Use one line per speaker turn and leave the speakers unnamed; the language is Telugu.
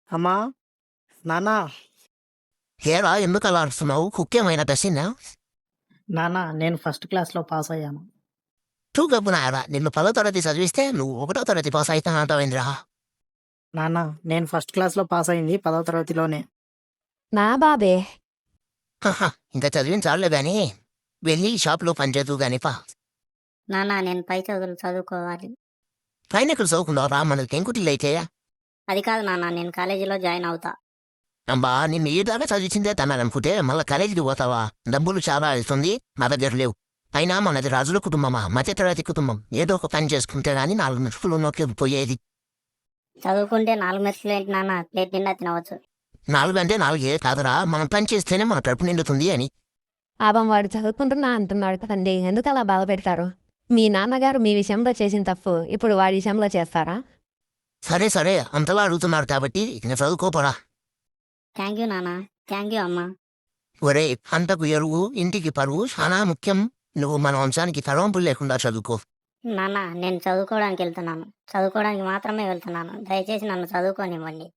అమ్మా, నాన్న,
ఏరా ఎందుకు అలా అరుస్తున్నావు? కుక్కేమైనా దశినా?
నాన్న, నేను ఫస్ట్ క్లాస్లో పాస్ అయ్యాను.
టూ గబ్బు నాయరా, నిన్ను 10వ తరగతి చదివిస్తే నువ్వు 1వ తరగతి పాస్ అవుతా అంటావేంద్రా?
నాన్న, నేను ఫస్ట్ క్లాస్లో పాస్ అయింది 10వ తరగతిలోనే.
నా బాబే.
ఇంకా చదివించాలే గాని వెళ్ళి షాప్లో పనిచేద్దు గాని పా.
నాన్న నేను పై చదువులు చదువుకోవాలి.
పైన ఎక్కడ చదువుకున్నావురా? మనకి టెంకుటిల్లైతే.
అది కాదు నాన్న, నేను కాలేజీలో జాయిన్ అవుతా.
అబ్బా, నిన్ను ఈ దాకా చదివించిందే తనాలనుకుంటే మళ్ళీ కాలేజీకి పోతావా? డబ్బులు చాలా అవుతుంది, నా దగ్గర లేవు. అయినా మనది రాజుల కుటుంబమా, మధ్యతరగతి కుటుంబం. ఏదో ఒక పని చేసుకుంటే గానీ 4 మెతుకులు నోట్లోకి పోయేది.
చదువుకుంటే 4 మెతుకులు ఏంటి నాన్న, ప్లేట్ నిండా తినవచ్చు.
4 అంటే 4 కాదురా, మనం పని చేస్తేనే మన కడుపు నిండుతుంది అని.
పాపం వాడు చదువుకుంటున్నా అంటున్నాడు కదండి, ఎందుకు అలా బాధ పెడతారు? మీ నాన్నగారు మీ విషయంలో చేసిన తప్పు ఇప్పుడు వాడి విషయంలో చేస్తారా?
సరే సరే, అంతలా అడుగుతున్నారు కాబట్టి ఇక చదువుకోపరా.
థ్యాంక్ యూ నాన్న. థ్యాంక్ యూ అమ్మా.
ఒరే, అంతకు ఎరువు ఇంటికి పరువు చాలా ముఖ్యం. నువ్వు మన వంశానికి తలవంపులు లేకుండా చదువుకో.
నాన్న నేను చదువుకోవడానికి వెళ్తున్నాను. చదువుకోవడానికి మాత్రమే వెళ్తున్నాను. దయచేసి నన్ను చదువుకోనివ్వండి.